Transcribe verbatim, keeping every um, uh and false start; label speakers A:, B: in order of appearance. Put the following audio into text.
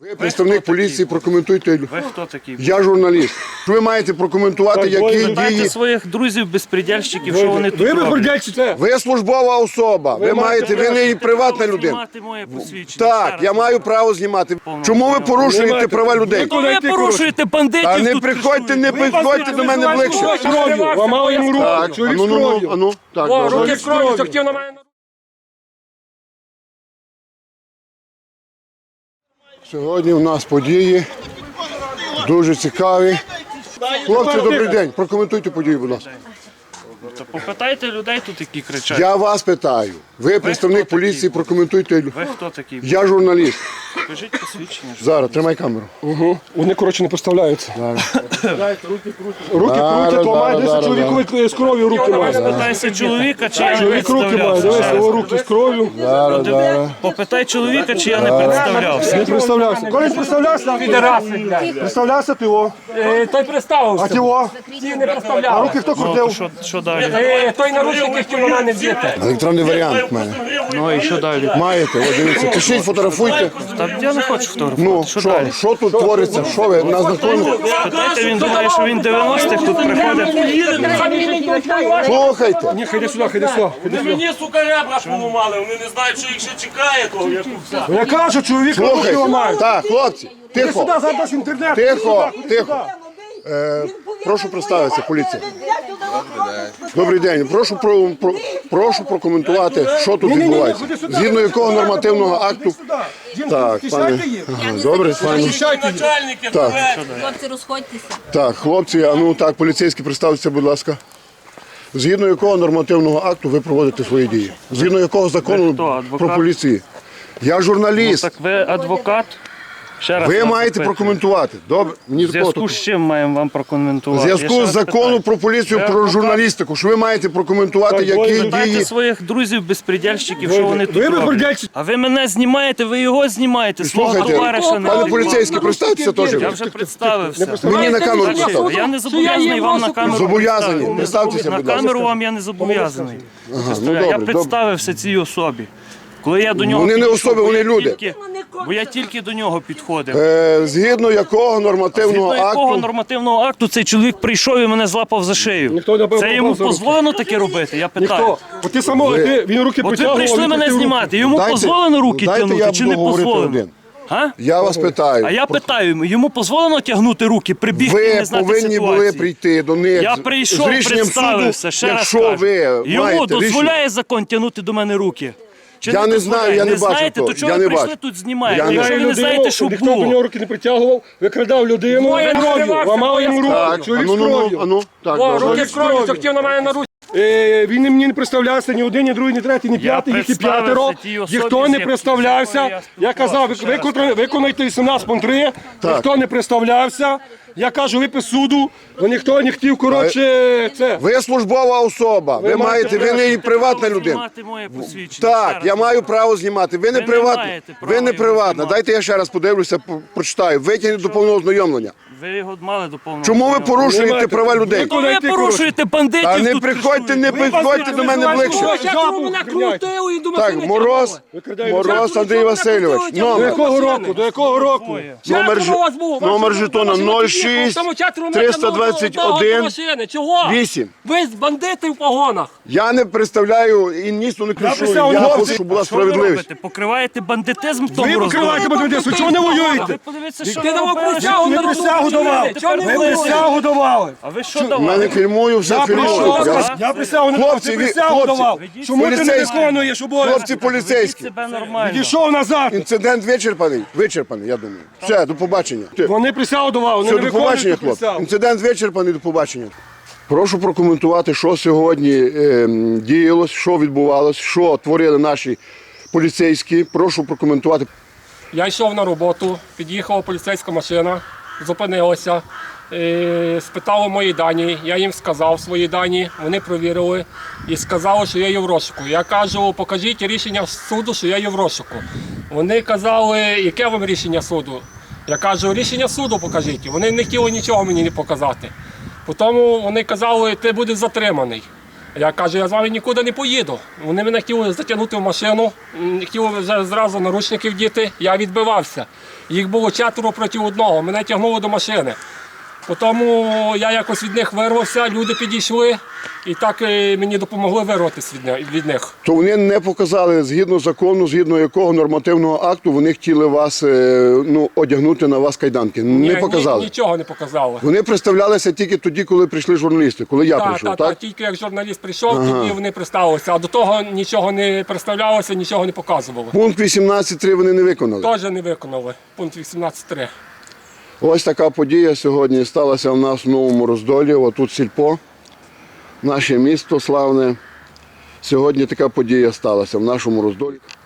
A: Ви представник поліції, прокоментуйте.
B: Ви хто такий?
A: Я журналіст. Ви маєте прокоментувати, які
B: Дайте
A: дії.
B: своїх друзів-безпредельщиків, що вони тут
C: Ви
B: роблять.
C: безпредельщите.
A: Ви службова особа. Ви маєте, ви не приватна людина.
B: Знімати моє посвідчення. Ще
A: Так,
B: раз.
A: я маю право знімати. Чому ви порушуєте права людей?
B: Ну, ви порушуєте бандитів.
A: Та не
B: тут
A: приходьте, не
B: кришуєте.
A: підходьте до мене ближче.
C: Кров'ю, ламали йому руку.
A: Так,
C: Чоловік
A: ану,
C: з
A: ну, ну,
C: кров'ю.
A: ану, так,
C: О,
A: добре.
C: руки з кров'ю, захотів на мене.
A: Сьогодні у нас події дуже цікаві. Хлопці, добрий день. Прокоментуйте події, будь ласка.
B: Та попитайте людей тут, які кричать.
A: Я вас питаю. Ви представник
B: хто
A: поліції,
B: такий?
A: прокоментуйте.
B: Ви хто такий?
A: Я журналіст.
B: Покажіть посвідчення.
A: Зараз, тримай камеру.
C: Угу. Вони, коротше, не поставляються. Руки крутять,
A: Зараз,
C: ламають,
A: зараз,
C: дивися, чоловікові з кров'ю руки мають.
B: Попитайся чоловіка, чи я не
C: Чоловік руки має,
B: представлявся.
C: дивися, його руки з кров'ю.
A: Зараз, зараз.
B: Попитай чоловіка, чи я не представлявся.
C: Не представлявся. Коли представлявся? Представлявся ти його.
D: Е, Той представився.
C: А ти його?
D: Ті не
C: А
D: представляв.
C: руки хто
B: Ну, то
C: крутив?
B: що, що далі?
D: Е, Той наручники хотів на мене вдіти.
A: Електронний варіант в мене.
B: Ну і що далі?
A: Маєте, от дивіться. Пишіть, фотографуйте.
B: Та я не хочу фотографувати.
A: Ну,
B: що
A: що,
B: далі?
A: що тут твориться? Що ви на законі?
B: Питайте, він думає, що він дев'яностих тут приходить.
A: Слухайте.
C: Ні, ходи сюди, ходи сюди. ходи сюди.
E: Мені, сука, ребра поламали, вони не знають, що їх ще чекає, того, як все.
C: Я кажу, чоловік руки
A: Слухайте.
C: ламають.
A: Так, хлопці,
C: Ти
A: тихо.
C: сюди зараз інтернет.
A: Тихо, тихо. Е, прошу представитися, поліція. Добрий день. Прошу про, про прошу прокоментувати, що тут відбувається. Згідно якого нормативного акту. Так, пане. Ага, добре, пане.
E: Начальники,
A: Так.
F: Хлопці, розходьтеся.
A: Так, хлопці, а ну так, поліцейські, представтеся, будь ласка. Згідно якого нормативного акту ви проводите свої дії? Згідно якого закону
B: Ви хто, адвокат?
A: про поліції? Я
B: Ну,
A: журналіст.
B: так ви адвокат? Ще раз
A: Ви
B: вас
A: маєте
B: запитую.
A: прокоментувати. Добре, мені
B: В зв'язку з чим маємо вам
A: В
B: прокоментувати?
A: зв'язку
B: Я ще
A: з
B: раз
A: законом
B: питаю.
A: про поліцію,
B: Ви
A: про
B: адвокат?
A: журналістику, що ви маєте прокоментувати,
C: Так,
A: які
B: Питайте
A: дії.
B: своїх друзів-безпредельщиків, що вони тут
C: Ви
B: роблять.
C: безпредельщики.
B: А ви мене знімаєте, ви його знімаєте, свого
A: Слухайте,
B: товариша не
A: пане
B: робите.
A: поліцейський, представтеся теж.
B: Я вже представився.
A: Мені на камеру
B: Значить,
A: представте.
B: Я не зобов'язаний вам на камеру.
A: Зобов'язані.
B: представити.
A: Представтеся,
B: На
A: будь ласка.
B: камеру вам я не зобов'язаний. Представляю.
A: ну
B: Я
A: добре,
B: представився цій особі. Коли я до нього
A: Вони не
B: підійшов,
A: особи,
B: бо
A: вони
B: я
A: люди.
B: тільки- Бо я тільки до нього підходив.
A: Е, згідно якого нормативного
B: Згідно якого
A: акту.
B: нормативного акту цей чоловік прийшов і мене злапав за шию?
C: Ніхто не
B: Це йому
C: попав за руки.
B: дозволено таке робити? Я питаю.
C: Ніхто. От ти само, ти, він руки
B: От ви
C: притягував.
B: прийшли
C: він
B: мене
C: крутив руки.
B: знімати, йому
A: Дайте-
B: дозволено руки
A: дайте
B: тягнути
A: я
B: чи не
A: буду говорити
B: дозволено?
A: один.
B: А?
A: Я вас питаю.
B: А я питаю, йому дозволено тягнути руки, прибігти і
A: Ви
B: не знати
A: повинні
B: ситуації?
A: були прийти до них
B: Я
A: з-
B: прийшов,
A: з рішенням
B: представився,
A: суду,
B: ще раз
A: якщо
B: кажу.
A: ви
B: Йому
A: маєте
B: дозволяє
A: рішення.
B: закон тягнути до мене руки? Чи
A: Я не
B: дозволяє?
A: знаю, я не
B: не
A: бачу
B: знаєте,
A: того,
B: то чого
A: я
B: ви
A: не
B: прийшли
A: бачу.
B: тут знімаєте?
A: Я не
B: Якщо ви не
C: Людину,
B: знаєте, що
C: ніхто до
B: було?
C: нього руки не притягував, викрадав людину,
D: Двоє
C: кров'ю,
D: відкривався,
C: ламав
D: двоє
C: йому руку.
A: Так,
C: Чоловік
A: ану,
C: з
A: ну, ну,
C: кров'ю.
A: ану, так,
D: О,
A: добре.
D: руки з кров'ю, захотів на мене наручники.
C: Е, Він мені не представлявся, ні один, ні другий, ні третій, ні п'ятий, їх і
B: представився
C: п'ятеро.
B: тій особі,
C: Ніхто
B: з
C: не
B: якою
C: представлявся.
B: я
C: Я казав,
B: спілкувався, ще раз
C: виконайте, виконайте вісімнадцять пункт три,
A: Так.
C: ніхто не представлявся. Я кажу, випис суду, бо ніхто не хотів, коротше, це.
A: Ви службова особа, ви, маєте, ви не приватна людина.
B: Знімати моє посвідчення,
A: Так,
B: ще раз
A: я маю
B: кажу.
A: право знімати. Ви не
B: не
A: приватна.
B: маєте права
A: Ви не
B: його
A: приватна.
B: знімати.
A: Дайте я ще раз подивлюся, по- прочитаю. Витягніть до повного ознайомлення.
B: Ви його мали до повного.
A: Чому ви
B: знайомства.
A: порушуєте
C: маєте-
A: права людей?
B: Ну, ви порушуєте бандитів
A: Та не
B: тут
A: приходьте, не
B: кришуєте.
A: підходьте до мене ближче.
D: Ось як ви мене крутили і до
A: Так,
D: машини
A: Мороз,
C: Викрадають.
A: Мороз Андрій Васильович.
D: Чому
C: До
A: Номер,
C: якого року? До якого року?
A: номер,
D: Четверо вас було,
A: ж- номер
D: ваші-
A: жетона
D: ваші
A: нуль
D: машини,
A: шість
D: тому четверо метрів
A: триста двадцять один
D: до машини. Чого?
A: вісім.
D: Ви з бандити в погонах.
A: Я не представляю і нісно не кришую.
C: представляю
A: Я
C: хлопців.
A: хочу, щоб була
B: Що ви
A: справедливість.
B: робите? Покриваєте бандитизм в
C: Ви
B: тому
C: покриваєте бандитизм, чого не воюєте?
B: Ви подивіться, що
D: Ти
B: ви
D: давав
B: робили,
D: присягу
B: що
D: на
B: ви
C: Ви присягу давав.
D: Чого не
C: Ви
D: воюєте?
C: присягу давали.
B: А ви що
A: У мене
B: давали?
A: фільмую, все
C: Я
A: фільмую.
C: прийшов,
A: Я-
C: я присягу не давав,
A: Хлопці,
C: ти
A: ви-
C: присягу
A: хлопці,
C: давав. Чому ти не
A: поліцейські.
C: виконуєш обов'язки?
A: Хлопці поліцейські.
B: Себе нормально.
C: Відійшов назад.
A: Інцидент вичерпаний? Вичерпаний, я думаю. Все, до побачення.
C: Вони присягу давали, вони
A: Все,
C: не
A: до побачення,
C: виконують
A: хлопці.
C: присягу.
A: Інцидент вичерпаний, до побачення. Прошу прокоментувати, що сьогодні е, діялось, що відбувалось, що творили наші поліцейські. Прошу прокоментувати.
D: Я йшов на роботу, під'їхала поліцейська машина, зупинилася, е, спитали мої дані, я їм сказав свої дані, вони провірили і сказали, що я є в розшуку. Я кажу, покажіть рішення суду, що я є в розшуку. Вони казали, яке вам рішення суду? Я кажу, рішення суду покажіть. Вони не хотіли нічого мені не показати. Потім вони казали, ти будеш затриманий. Я кажу, я з вами нікуди не поїду. Вони мене хотіли затягнути в машину, м, хотіли вже зразу наручники вдіти, я відбивався. Їх було четверо проти одного, мене тягнули до машини. Потім я якось від них вирвався, люди підійшли і так е, мені допомогли вирватися від, ни- від них.
A: То вони не показали згідно закону, згідно якого нормативного акту вони хотіли вас е, ну, одягнути на вас кайданки. Не
D: Ні,
A: показали.
D: ні- нічого не показали.
A: Вони представлялися тільки тоді, коли прийшли журналісти, коли я
D: Так,
A: прийшов,
D: так,
A: так?
D: так, тільки як журналіст прийшов, тоді вони представилися, а до того нічого не представлялося, нічого не показували.
A: Пункт вісімнадцять три вони не виконали.
D: Теж не виконали. Пункт вісімнадцять три.
A: Ось така подія сьогодні сталася в нас в Новому Роздолі. Отут сільпо, наше місто славне. Сьогодні така подія сталася в нашому Роздолі.